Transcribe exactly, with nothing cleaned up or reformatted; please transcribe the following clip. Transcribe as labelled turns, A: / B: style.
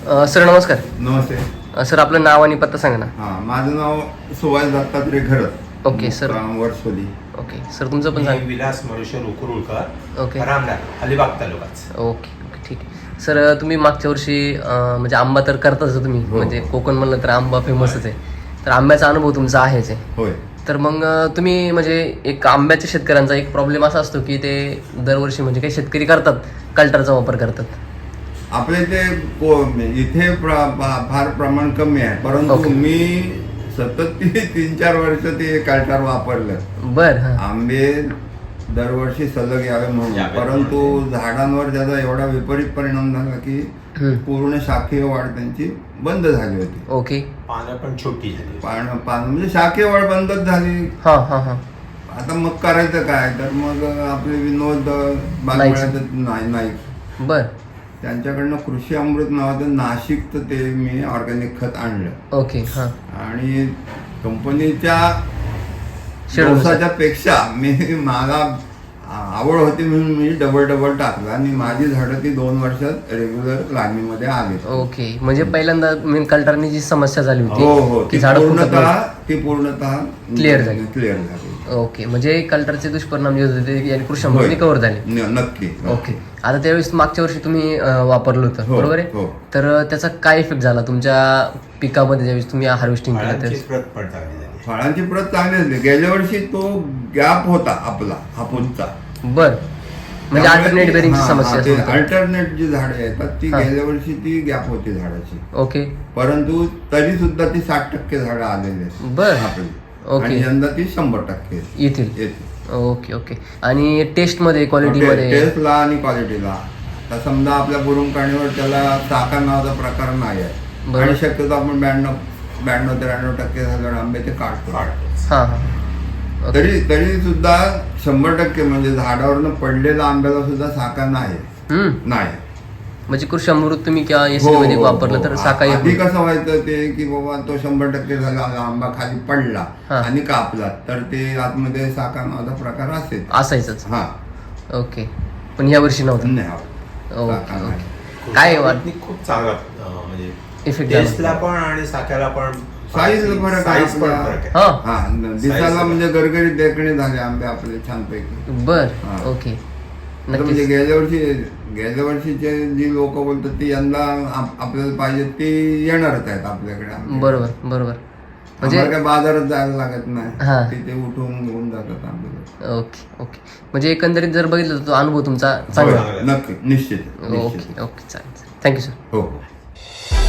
A: अ, sir नमस्कार.
B: नमस्ते.
A: अ, sir आपलं नाव आणि पत्ता सांगा ना.
B: हां, माझं नाव Subhash Dattatray Gharat.
A: Okay sir.
B: Varsoli.
A: Okay sir, तुमचं पण
C: मी
A: सांगा.
C: विलास मनुष्य उकरुळकर,
A: ओके
C: रामनाथ, अलिबाग तालुकाच.
A: ओके ओके ठीक आहे. सर तुम्ही मागच्या वर्षी अ, म्हणजे आंबा तर करताच तुम्ही,
B: हो.
A: म्हणजे कोकण म्हणलं तर आंबा फेमसच आहे. तर आंब्याचा अनुभव तुमचा आहेच आहे.
B: होय.
A: तर मग अ, तुम्ही म्हणजे एक आंब्याच्या शेतकऱ्यांचा एक प्रॉब्लेम असा असतो की ते दरवर्षी म्हणजे काही शेतकरी करतात कल्टरचा वापर करतात.
B: आपल्या इथे को- इथे प्र- फा- फार प्रमाण कमी आहे, परंतु
A: ओके.
B: मी सतत ती तीन चार वर्ष ते कालटार वापरलं.
A: बर हां.
B: आंबे दरवर्षी सलग यावे म्हणून,
C: यावे
B: परंतु
C: म्हणून.
B: झाडांवर त्याचा एवढा विपरीत परिणाम झाला की
A: हम्म.
B: पूर्ण शाखीय वाढ त्यांची बंद झाली होती.
A: ओके.
C: पानं पण छोटी झाली.
B: पान पान म्हणजे शाखीय वाढ बंदच झाली.
A: हां हां हां.
B: आता मग करायचं काय, तर मग आपले विनोद बागमळ्याचे नाही नाही
A: बर.
B: त्यांच्याकडनं कृषी अमृत नावाचं नाशिकचं ते मी ऑर्गॅनिक खत आणलं
A: ओके हां.
B: आणि कंपनीच्या
A: शेड्यूल
B: दिवसाच्या पेक्षा मी मला आवड होती म्हणून मी डबल डबल टाकलं आणि माझी झाडं ती दोन वर्षात रेग्युलर लागणीमध्ये आली.
A: ओके, म्हणजे पहिल्यांदा मेन कल्टरनी जी समस्या झाली
B: हो
A: होती
B: हो
A: की
B: ती
A: झाडं फुटत
B: पूर्णतः
A: नव्हती.
B: ती पूर्णतः
A: Clear झाली.
B: क्लिअर झाली.
A: ओके, म्हणजे कल्टरचे दुष्परिणाम जे होते ते याने कृषी
B: होय.
A: अमृतने कव्हर झाले.
B: न- नक्की.
A: ओके. आता त्यावेळेस मागच्या वर्षी तुम्ही अं, वापरलं होतं
B: हो,
A: बरोबर आहे.
B: हो.
A: तर अं, त्याचा काय इफेक्ट झाला तुमच्या पिकामध्ये ज्यावेळेस तुम्ही हार्वेस्टिंग केलं
C: फळांची
A: त्यावेळेस?
C: प्रत पण चांगली झाली.
B: फळांची प्रत चांगली असली. गेल्या वर्षी तो गॅप होता आपला हापूसचा.
A: बर, म्हणजे अल्टरनेट बेरिंगची समस्या असेल तर.
B: अल्टरनेट जी झाडे येतात ती
A: हा.
B: गेल्या वर्षी ती गॅप होती झाडाची,
A: ओके.
B: परंतु तरी सुद्धा ती साठ टक्के झाडं आलेली आहेत
A: बर.
B: आपली.
A: ओके.
B: आणि यंदा ती शंभर टक्के
A: येतील.
B: येते.
A: Okay okay. आणि टेस्टमध्ये क्वालिटीमध्ये
B: टेस्टला आणि क्वालिटीला तर समजा आपल्या बुरुमकाणीवर त्याला चाका नावाचा प्रकार नाही आहे
A: बरोबर.
B: आणि शक्यतो आपण ब्याण्णव ब्याण्णव त्र्याण्णव टक्के झाड आंबे ते काढतो.
C: काढतोच.
A: हां हां. ओके.
B: तरी तरी सुद्धा शंभर टक्के म्हणजे झाडावरनं पडलेल्या आंब्याला सुद्धा साका नाही
A: हम्म.
B: नाही.
A: म्हणजे कृषी अमृत तुम्ही किंवा एस
B: हो,
A: मध्ये
B: हो,
A: वापरलं
B: हो.
A: तर साका
B: आधी
A: येत
B: कसं व्हायचं ते की बाबा तो शंभर टक्के झाला आंबा खाली पडला
A: हा.
B: आणि कापला तर ते आतमध्ये साका नावाचा प्रकार असेल.
A: असायचंच.
B: हा
A: ओके, पण या वर्षी नव्हतं.
B: नाही
A: ओके
B: साका नाही.
A: ओके. काय वाट
C: कृषी खूप चांगला अं, म्हणजे
A: इफेक्ट
C: टेस्टला
A: झाला?
C: पण आणि साख्याला पण
B: साईज फरक आहे
C: साईज पण
B: आपला.
C: फरक आहे.
A: हां.
B: हा दिसायला
C: Size
B: म्हणजे गरगरीत देखणे झाले आंबे आपले छानपैकी.
A: बर.
B: हा.
A: ओके.
B: आता म्हणजे
A: नक्कीच.
B: गेल्या वर्षी गेल्या वर्षीचे जी लोक बोलतात ती यंदा आप- आपल्याला पाहिजे ती येणारच आहेत आपल्याकडे आंबे.
A: बरोबर बरोबर. म्हणजे
B: आम्हाला काय बाजारात जायला लागत
A: हा.
B: नाही, तिथे उठून घेऊन जातात आंबे.
A: Okay okay. म्हणजे एकंदरीत जर बघितलं तर तो अनुभव तुमचा
B: होय,
A: चांगला.
C: चांगला.
B: नक्की निश्चित
A: ओके
B: निश्चित.
A: ओके चालेल. Thank you sir.
B: हो हो.